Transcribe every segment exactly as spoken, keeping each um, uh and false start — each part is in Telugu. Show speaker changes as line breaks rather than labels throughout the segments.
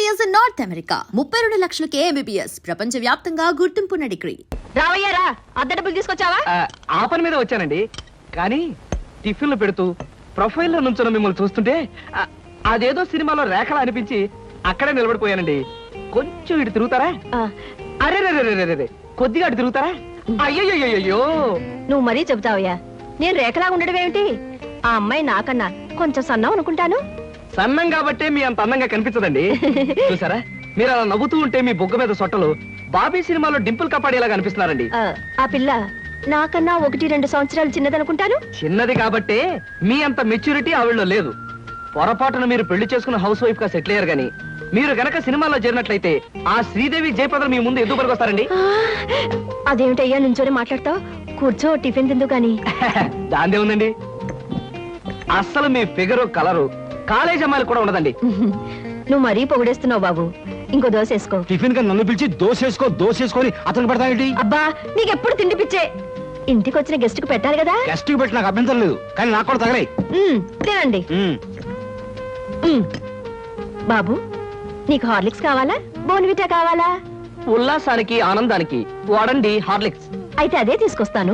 ఎంబీబీఎస్ ఇన్ నార్త్ అమెరికా ముప్పై రెండు లక్షలకే ఎంబీబీఎస్ ప్రపంచ వ్యాప్తంగా గుర్తింపున్న డిగ్రీ.
రావయ్యారా, అద్దె డబ్బులు తీసుకొచ్చావా?
ఆ పని మీద వచ్చానండి. కానీ టిఫిన్లు పెడుతూ ప్రొఫైల్లో నుంచున్న మిమ్మల్ని చూస్తుంటే అదేదో సినిమాలో రేఖలా అనిపించి అక్కడే నిలబడిపోయానండి. కొంచెం ఇటు తిరుగుతారా? అరే రే కొద్దిగా అటు తిరుగుతారా? అయ్యయ్యో,
నువ్వు మరీ చెబుతావయ్యా. నేను రేఖలా ఉండడం ఏమిటి? ఆ అమ్మాయి నాకన్నా కొంచెం సన్నం అనుకుంటాను.
సన్నం కాబట్టే మీ అంత అందంగా కనిపించదండి. చూసారా, మీరు అలా నవ్వుతూ ఉంటే మీ బొగ్గ మీద సొట్టలు బాబీ సినిమాలో డింపుల్ కపాడేలా కనిపిస్తున్నారండి.
ఆ పిల్ల నాకన్నా ఒకటి రెండు సంవత్సరాలు చిన్నదనుకుంటాను.
చిన్నది కాబట్టే మీ అంత మెచ్యూరిటీ ఆవిడలో లేదు. పొరపాటున మీరు పెళ్లి చేసుకున్న హౌస్ వైఫ్ గా సెటిల్ అయ్యారు గానీ మీరు గనక సినిమాలో చేరినట్లయితే ఆ శ్రీదేవి జయప్రద మీ ముందు ఎందుకు పనికొస్తారండి?
అదేమిటయ్యా నుంచోనే మాట్లాడతావు? కూర్చో, టిఫిన్ తిందు గాని.
దాందే ఉందండి. అస్సలు మీ ఫిగరు కలరు కాలేజ్ అమ్మాయిలు కూడా ఉండదండి.
నువ్వు మరీ పొగిడేస్తున్నావు బాబు. ఇంకో దోశ వేసుకో.
టిఫిన్ గా నన్ను పిలిచి దోసేసుకో దోసేసుకొని అతను పెడతావేంటి?
అబ్బా, నీకెప్పుడు తిండి పిచ్చే. ఇంటికి వచ్చిన గెస్ట్ కు పెట్టాలి కదా.
గెస్ట్ కి పెట్టి నాకు అభ్యంతరం లేదు, కానీ నాకు కూడా తగలే.
తినండి. బాబు, నీకు హార్లిక్స్ కావాలా, బోన్విటా కావాలా?
ఉల్లాసానికి ఆనందానికి వాడండి హార్లిక్స్.
అయితే అదే తీసుకొస్తాను.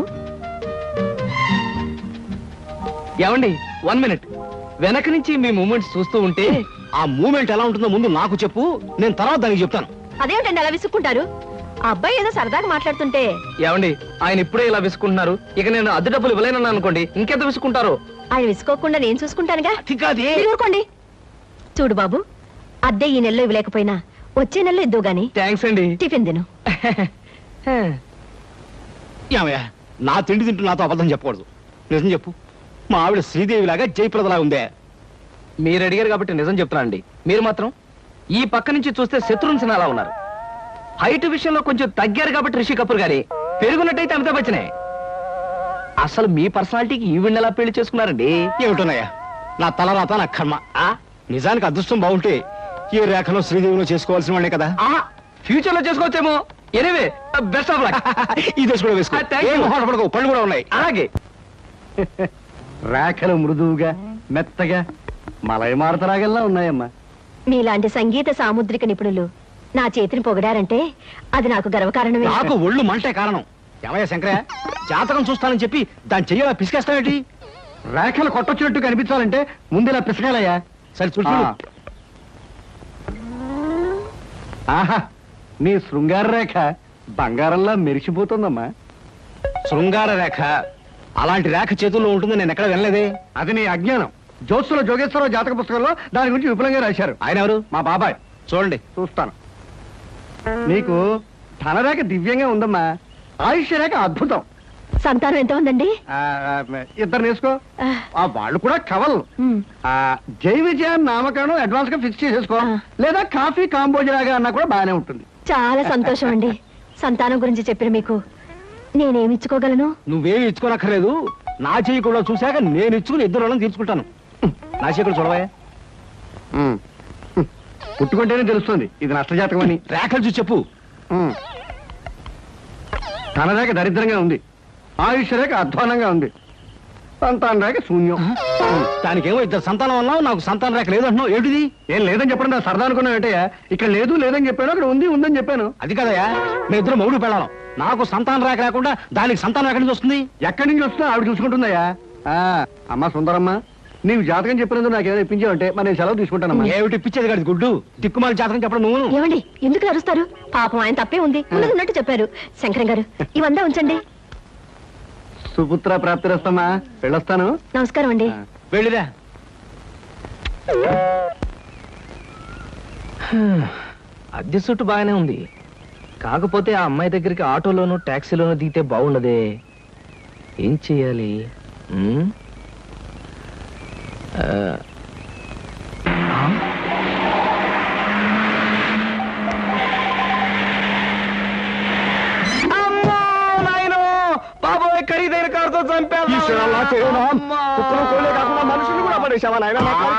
ఏమండి, వన్ మినిట్. వెనక నుంచి మీ మూమెంట్స్ చూస్తూ ఉంటే
ఆ మూమెంట్ ఎలా ఉంటుందో ముందు నాకు చెప్పు, నేను తర్వాత దానికి చెప్తాను.
అదేమిటండి అలా విసుక్కుంటారు? ఆ అబ్బాయి ఏదో సరదాగా మాట్లాడుతుంటే.
ఏమండి, ఆయన ఇప్పుడే ఇలా విసుకుంటున్నారు. ఇక నేను అద్దె డబ్బులు ఇవ్వలేనన్నా అనుకోండి, ఇంకెంత విసుకుంటారో.
ఆయన విసుకోకుండా నేను చూసుకుంటానుగా.
అది
ఊరుకోండి. చూడు బాబు, అద్దె ఈ నెలలో ఇవ్వలేకపోయినా వచ్చే నెలలో ఇద్దు గాని.
థ్యాంక్స్ అండి.
టిఫిన్ తిను.
ఏమయ్యా, నా తిండి తింటూ నాతో అబద్ధం చెప్పకూడదు. నిజం చెప్పు, మా ఆవిడ శ్రీదేవి లాగా జయప్రదలా ఉందే?
మీరు అడిగారు కాబట్టి నిజం చెప్తున్నానండి. మీరు మాత్రం ఈ పక్క నుంచి చూస్తే శత్రుఘ్న సిన్హా ఉన్నారు. హైట్ విషయంలో కొంచెం తగ్గారు కాబట్టి రిషి కపూర్ గారి, పెరుగున్నట్టయితే అమితాబ్ బచ్చనే. అసలు మీ పర్సనాలిటీకి ఈవిడ్ని ఎలా పెళ్లి చేసుకున్నారండి?
ఏమిటోనయ్యా, నా తలరాత నా కర్మ. నిజానికి అదృష్టం బాగుంటే ఈ రేఖలో శ్రీదేవిలో చేసుకోవాల్సిన వాళ్ళే కదా.
ఫ్యూచర్ లో చేసుకోవచ్చేమో. Anyway, best of luck.
ఈ దశ కూడా వేసుకో. ఏం మొహాట పడకు, పళ్ళు కూడా ఉన్నాయి.
అలాగే.
రేఖలు మృదువుగా మెత్తగా మలయమారుతరాగల్లా ఉన్నాయమ్మా.
మీలాంటి సంగీత సాముద్రిక నిపుణులు నా చేతిని పొగిడారంటే అది నాకు గర్వకారణమే.
నాకు ఒళ్ళు మంటే కారణం. ఏమయ్యా శంకరయ్య, జాతకం చూస్తానని చెప్పి దాన్ని చెయ్యాలా పిసికేస్తావేంటి?
రేఖలు కొట్టొచ్చినట్టు కనిపించాలంటే ముందు ఇలా పిసకాలయ్యా.
సరే చూడు.
ఆహా, నీ శృంగార రేఖ బంగారంలా మెరిసిపోతుందమ్మా.
శృంగార రేఖ అలాంటి రేఖ చేతుల్లో ఉంటుంది నేను ఎక్కడ వినలేదే.
అది నీ అజ్ఞానం. జ్యోత్సుల జోగేశ్వరరావు జాతక పుస్తకంలో దాని గురించి విపులంగా రాశారు.
ఆయన ఎవరు?
మా బాబాయ్.
చూడండి.
చూస్తాను. నీకు ధనరేఖ దివ్యంగా ఉందమ్మా. ఆయుష్య రేఖ అద్భుతం.
సంతానం ఎంత ఉందండి?
ఇద్దరు నేసుకో. వాళ్ళు కూడా కవల్. జై విజయాన్ని నామకరణం అడ్వాన్స్ గా ఫిక్స్ చేసేసుకో. లేదా కాఫీ కాంబోజరాగా అన్నా కూడా బాగానే ఉంటుంది.
చాలా సంతోషం అండి. సంతానం గురించి చెప్పిన మీకు నేనేమి ఇచ్చుకోగలను?
నువ్వేమి ఇచ్చుకోనక్కర్లేదు. నా చెయ్యి కూడా చూశాక నేను ఇచ్చుకుని ఇద్దరు వాళ్ళని తీర్చుకుంటాను. నా చెయ్యి కూడా చూడవా.
పుట్టుకుంటేనే తెలుస్తుంది ఇది నష్టజాతకం అని.
రేఖలు చూసి చెప్పు.
ధనరేఖ దరిద్రంగా ఉంది. ఆయుష్ రేఖ అధ్వానంగా ఉంది. సంతాన రేఖ శూన్యం.
దానికేమో ఇద్దరు సంతానం అన్నావు, నాకు సంతాన రేఖ లేదు అంటున్నావు. ఏమిటిది?
ఏం లేదని చెప్పడం నా సరదా అనుకున్నావు ఏంటయ్యా? ఇక్కడ లేదు లేదని చెప్పాను, అక్కడ ఉంది ఉందని చెప్పాను.
అది కదయా, మీ ఇద్దరు మౌడు పెళ్ళాం. నాకు సంతాన రేఖ లేకుండా దానికి సంతానం ఎక్కడి నుంచి వస్తుంది?
ఎక్కడి నుంచి వస్తుందో ఆవిడ చూసుకుంటుందయ్యా. అమ్మా సుందరమ్మ, నీవు జాతకం చెప్పినందుకు నాకు ఏమైనా ఇప్పించావంటే మరి నేను సెలవు తీసుకుంటానమ్మా.
ఏమిటి ఇప్పించేది కాదు గుడ్డు, దిక్కుమాలి జాతకం చెప్పడం నువ్వు.
ఏమండి, ఎందుకు అరుస్తారు? పాపం ఆయన తప్పే ఉంది, ఉన్నది ఉన్నట్టు చెప్పారు. శంకరం గారు, ఇవంతా ఉంచండి.
సుపుత్ర ప్రాప్తిరస్తమ్మా. వెళ్ళొస్తాను.
నమస్కారం అండి.
వెళ్ళిరా.
అద్దె సుట్టు బాగానే ఉంది. కాకపోతే ఆ అమ్మాయి దగ్గరికి ఆటోలోనూ ట్యాక్సీలోనూ దిగితే బాగుండదే. ఏం చెయ్యాలి? బాబోయ్, ఖరీదైన కారుతో చంపాను.
మనుషులు కూడా పడేసావా నాయన?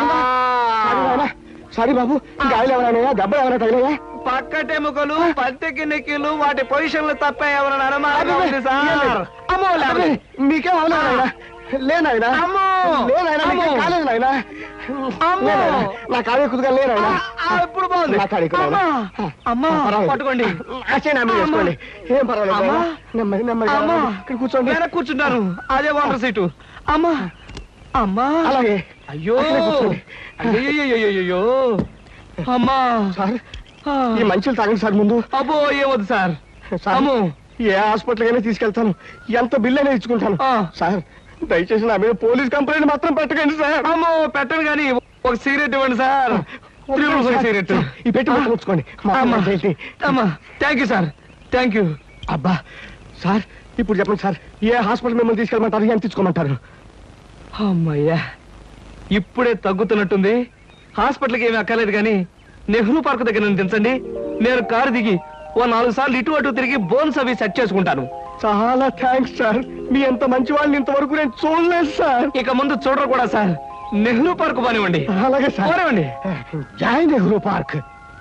సారీ బాబు, గాయలు ఎవరైనా దెబ్బ ఎవరైనా తగిలేదా?
పక్కటెముకలు, పత్తికి నెక్కిలు, వాటి పొజిషన్లు తప్ప ఎవరైనా అనుమానం ఉంది సార్.
మీకేం అవలేదు నాయన. లేనాయనా, లేనాయనా, కాలేదు నాయన.
అమ్మో!
లేనాయనా, నా కాలు ఎక్కుదుగా లేనాయనా.
ఆ, ఇప్పుడు బాగుంది.
నా కాలు ఎక్కు నాయనా.
అమ్మా! అమ్మా,
పర్వాలేదు.
పట్టుకోండి.
నా చేయి నా మీద వేసుకోండి. ఏం పర్వాలేదు
అమ్మా!
నాయనా. నెమ్మది నెమ్మదిగా
అమ్మా!
ఇక్కడ కూర్చోండి.
వెనక్కి కూర్చుంటాను. అదే వాటర్ సీటు. అమ్మా అమ్మా
అలాగే
అయ్యో
అక్కడే కూర్చోండి.
అయ్యో అమ్మా
సార్
ఆ.
ఈ మంచులు తాగండి సార్ ముందు.
అబ్బో ఏమొద్దు సార్.
సార్
అమ్మో
ఏ హాస్పిటల్ అయినా తీసుకెళ్తాను, ఎంత బిల్ అయినా ఇచ్చుకుంటాను.
ఆ.
సార్ దయచేసి నా మీద పోలీస్ కంప్లైంట్ మాత్రం పెట్టకండి సార్.
అమ్మో పెట్టను కానీ ఒక సిగరెట్ ఇవ్వండి సార్. Triple five cigarette.
ఈ పెట్టి మొత్తం ఉంచుకోండి. మా
అమ్మా
అమ్మ ఏంటి?
అమ్మా thank you sir thank you.
అబ్బా సార్ ఇప్పుడు చెప్పండి సార్, ఏ హాస్పిటల్ మిమ్మల్ని తీసుకెళ్ళమంటారు, ఎంత తీసుకోమంటారు?
అమ్మయ్యా ఇప్పుడే తగ్గుతున్నట్టుంది. హాస్పిటల్కి ఏమీ అక్కర్లేదు కానీ నెహ్రూ పార్క్ దగ్గర నన్ను దించండి. నేను కారు దిగి ఓ నాలుగు సార్లు ఇటు అటు తిరిగి బోన్స్ అవి సెట్ చేసుకుంటాను.
చాలా థ్యాంక్స్ సార్, మీ ఎంత మంచి వాళ్ళని ఇంతవరకు నేను చూడలేదు సార్.
ఇక ముందు చూడరు కూడా సార్. నెహ్రూ పార్క్ పోనివ్వండి.
అలాగే సార్.
పోనివ్వండి.
జై నెహ్రూ పార్క్.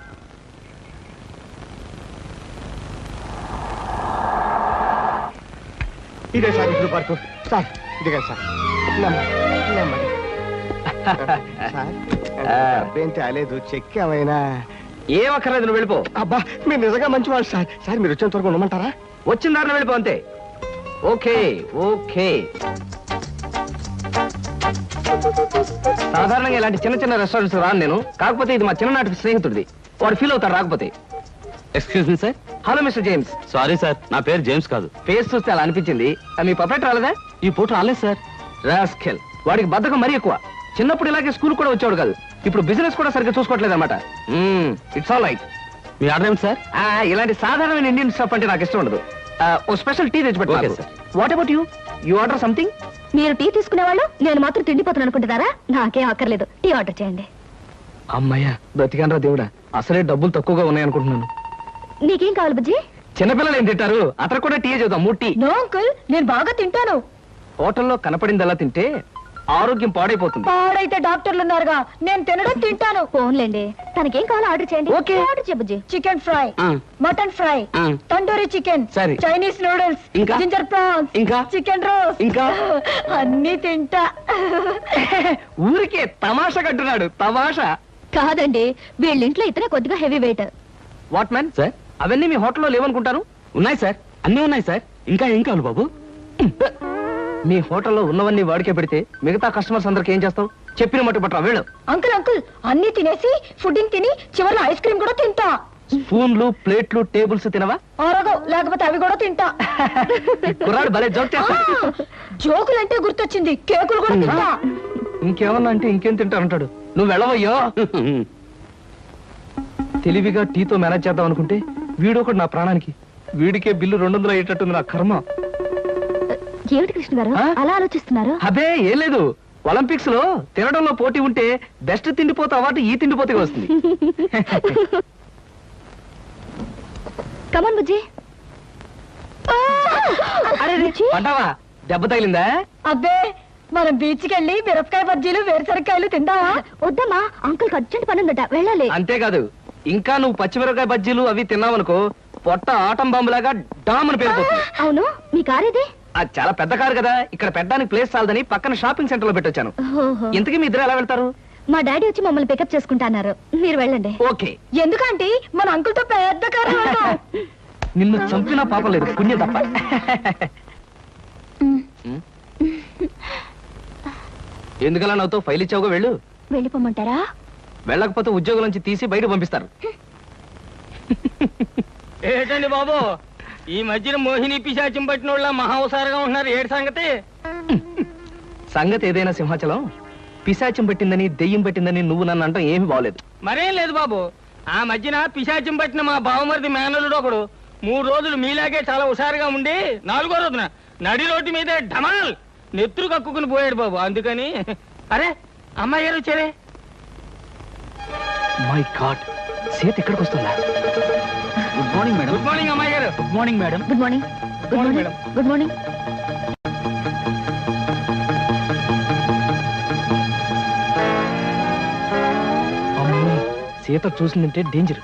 ఇదే సార్ నెహ్రూ పార్క్. సార్ ఇదిగా సార్. నెమ్మది నెమ్మది. సార్ డబ్బేం తేలేదు, చెక్ ఏమైనా?
ఏం అక్కర్లేదు నువ్వు వెళ్ళిపో.
అబ్బా మీరు నిజంగా మంచి వాళ్ళు సార్. సార్ మీరు వచ్చేంత వరకు ఉండమంటారా?
వచ్చిన దారిలో వెళ్ళిపో అంతే. Okay okay. సాధారణంగా ఇలాంటి చిన్న చిన్న రెస్టారెంట్స్ రాను నేను. కాకపోతే ఇది మా చిన్ననాటి స్నేహితుడిది. వాడు ఫీల్ అవుతాడు రాకపోతే.
Excuse me sir.
Hello mister James.
Sorry sir, నా పేరు జేమ్స్ కాదు.
ఫేస్ చూస్తే అలా అనిపించింది. ఆ, మీ పర్ఫెక్ట్ రాలేదా?
ఈ పూట రాలేదు సార్.
రాస్కెల్. వాడికి బద్ధకం మరీ ఎక్కువ. చిన్నప్పుడు ఇలాగే స్కూల్ కూడా వచ్చాడు కాదు. ఇప్పుడు బిజినెస్ కూడా సరిగ్గా చూసుకోవట్లేదు అనమాట. It's all right.
మీ ఆర్డర్ ఏమిటి సార్?
ఇలాంటి సాధారణమైన ఇండియన్ స్టఫ్ అంటే నాకు ఇష్టం ఉండదు. ఆ, ఓ స్పెషల్ టీ తెచ్చి
Okay,
పెట్టు.
sir.
What about you? You order something?
మీరు టీ తీసుకునేవాళ్ళు నేను మాత్రం తిండిపోతాను అనుకుంటున్నారా? నాకేం అక్కర్లేదు, టీ ఆర్డర్ చేయండి.
అమ్మయ్యా బ్రతికానరా దేవుడా. అసలే డబ్బులు తక్కువగా ఉన్నాయి అనుకుంటున్నాను.
నీకేం కావాలి బుజ్జి?
చిన్నపిల్లలు ఏం తింటారు? అతను కూడా టీ చేద్దాం. మూడు టీ.
నో అంకుల్, నేను బాగా తింటాను.
హోటల్లో కనపడిందలా తింటే ఆరోగ్యం పాడైపోతుంది.
పాడైతే డాక్టర్లు ఉన్నారుగా, నేను తినడం తింటాను. ఫోన్లేండి, తనకేం కావాలో ఆర్డర్ చేయండి.
Okay.
ఆర్డర్ చేయ బుజ్జి. చికెన్ ఫ్రై,
ఆ.
మటన్ ఫ్రై,
ఆ.
తండూరి చికెన్,
సరే.
చైనీస్ నూడిల్స్,
ఇంకా?
జింజర్ ప్రాన్స్,
ఇంకా?
చికెన్ రోస్,
ఇంకా?
అన్ని తింటా.
ఊరికే తమాషా కట్టున్నాడు. తమాషా.
కాదండి, వీళ్ళింట్లో ఇతనే కొద్దిగా heavy weight.
What man?
Sir
అవన్నీ మీ హోటల్లో లేవనుకుంటాను.
ఉన్నాయి సార్, అన్నీ ఉన్నాయి సార్. ఇంకా ఏం కావాలి బాబు?
మీ హోటల్లో ఉన్నవన్నీ వాడికే పెడితే మిగతా కస్టమర్స్ అందరికి ఏం చేస్తావు? చెప్పిన మట్టు పట్టరా వెళ్ళు.
అంకుల్ అంకుల్, అన్ని తినేసి ఫుడ్డింగ్ తిని చివరిలో ఐస్ క్రీమ్ కూడా తింటా.
స్పూన్లు ప్లేట్లు టేబుల్స్ తినవా?
ఆరోగో, లేకపోతే అవి కూడా తింటా.
కుర్రాడు భలే జోక్ చేస్తాడు.
జోకులంటే గుర్తొచ్చింది, కేకులు కూడా తింటా.
ఇంకేమన్నా అంటే ఇంకేం తింటానంటాడు. నువ్వు వెళ్ళవయ్యో. తెలివిగా టీతో మేనేజ్ చేద్దాం అనుకుంటే వీడొకడు నా ప్రాణానికి. వీడికే బిల్లు రెండు వందలు అయ్యేటట్టుంది నా కర్మ.
ఏమిటి కృష్ణ గారు
ఆ?
అలా ఆలోచిస్తున్నారు?
అదే ఏం లేదు. ఒలింపిక్స్ లో తినడంలో పోటీ ఉంటే బెస్ట్ తిండిపోతే అవార్డు ఈ తిండిపోతే వస్తుంది.
కమన్ బుజ్జి.
అరే పంటావా? దెబ్బ తగిలిందా?
అబ్బే, మనం బీచ్ కి వెళ్ళి మిరపకాయ బజ్జీలు వేరుసరికాయలు తిందామా? వద్దమ్మా, అంకుల్ అర్జెంట్ పని ఉందట, వెళ్ళాలి.
అంతేకాదు, ఇంకా నువ్వు పచ్చిమిరపకాయ బజ్జీలు అవి తిన్నావనుకో పొట్ట ఆటం బాంబులాగా డామ్ అని పేరుపోతుంది.
అవును, మీ కార్ ఇది?
అది చాలా పెద్ద కారు కదా, ఇక్కడ పెట్టడానికి ప్లేస్ చాలదని పక్కన షాపింగ్ సెంటర్ లో పెట్టొచ్చాను.
ఓహో.
ఇంతకీ మీ ఇద్దరు ఎలా వెళ్తారు?
మా డాడీ వచ్చి మమ్మల్ని పికప్ చేసుకుంటున్నారు, మీరు వెళ్ళండి.
ఓకే.
ఎందుకంటే మన అంకుల్ తో పెద్ద కారు.
నిన్ను చంపినా పాపం లేదు, పుణ్యం తప్ప. ఎందుకలా నవ్వుతో ఫైల్ ఇచ్చావుగా వెళ్ళు.
వెళ్ళిపోమంటారా?
వెళ్ళకపోతే ఉద్యోగం నుంచి తీసి బయట పంపిస్తారు.
ఏంటండి బాబు, ఈ మధ్యన మోహిని పిశాచం పట్టిన వాళ్ళ మహావసారగా ఉంటున్నారు. ఏడు సంగతి?
సంగతి ఏదైనా సింహాచలం, పిశాచం పట్టిందని దెయ్యం పట్టిందని నువ్వు నన్ను అంటాం ఏమీ బాగలేదు.
మరేం లేదు బాబు, ఆ మధ్యన పిశాచం పట్టిన మా బావమరిది మేనలుడు ఒకడు మూడు రోజులు మీలాగే చాలా హుషారుగా ఉండి నాలుగో రోజున నడి రోడ్డు మీదే ఢమాల్ నెత్తురు కక్కుకుని పోయాడు బాబు. అందుకని అరే అమ్మాయి గారు వచ్చారే.
మై గాడ్, సీత ఇక్కడికి వస్తుందా?
Good morning madam. Good morning అమ్మాయి గారు. Good morning madam.
Good morning. Good morning. Good morning.
Sita చూసిందంటే డేంజర్.